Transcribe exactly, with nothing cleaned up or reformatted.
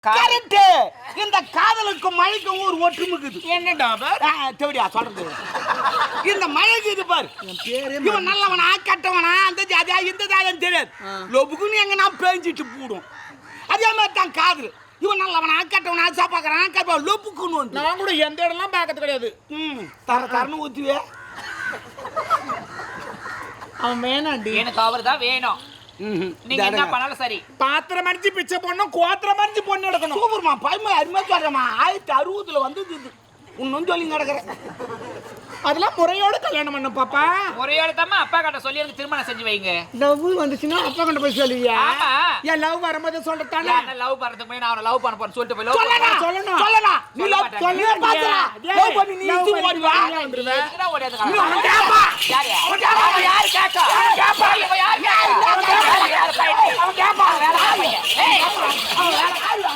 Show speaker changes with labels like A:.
A: Correct. இந்த காதலுக்கும் மழைக்கும் ஒரு ஒற்றுமைக்குது.
B: என்னடா
A: தேவடியா சொல்றது? இந்த மழைக்கு இது பாரு, இவன் நல்லவனா கட்டவனா அந்த ஜாதியா இந்த ஜாதியான்னு தெரியாது. லொபுக்குன்னு எங்க நான் பேஞ்சிட்டு போடும். அதே மாதிரி தான் காதல். இவன் நல்லவனா கட்டவனா சாப்பாக்குறான் கப்பா லொபுக்குன்னு வந்து
B: நான் கூட எந்த இடம்லாம் பார்க்கறது கிடையாது.
A: ம் தர தரன்னு ஊத்துவே.
B: அவன் வேணாண்டி,
C: எனக்கு அவர் தான் வேணும். நீங்க என்ன பண்ணாலும் சரி.
B: பாத்திரம் அடிச்சு பிச்சை போடணும், கோத்திரம் அடிச்சு பொண்ணு எடுக்கணும்.
A: சூப்பர்மா, பயமா அருமையா சொல்றமா. ஆயிரத்தி அறுபதுல வந்து இன்னும் சொல்லி கிடக்குறேன்.
B: அதெல்லாம் முறையோட கல்யாணம் பண்ண பாப்பா.
C: முறையோட தாமா அப்பா கிட்ட சொல்லி எனக்கு திருமணம் செஞ்சு வைங்க.
B: லவ் வந்துச்சுன்னா அப்பா கிட்ட போய் சொல்லுவியா?
C: ஆமா.
B: ஏன் லவ் வரும்போது சொல்றதானே?
C: நான் லவ் பண்றதுக்கு முன்னாடி நான் அவனை லவ் பண்ண போறேன் சொல்லிட்டு போய் லவ்
B: சொல்லணும் சொல்லணும்
A: சொல்லலாம். நீ லவ்
B: சொல்லு பாத்தா.
A: லவ் பண்ணி நீ இச்சு ஓடி வா.
B: வந்துருவே.
C: எங்கடா ஓடியாத
A: நீ அவன் கேப்பா.
C: யாரு அவன் யாரு யாரு கேக்கா அவன் கேப்பா இவன் யாரு கேக்கா அவன் யாரு பையன் அவன் கேப்பா வேற பையன். ஏய் அவன் வேற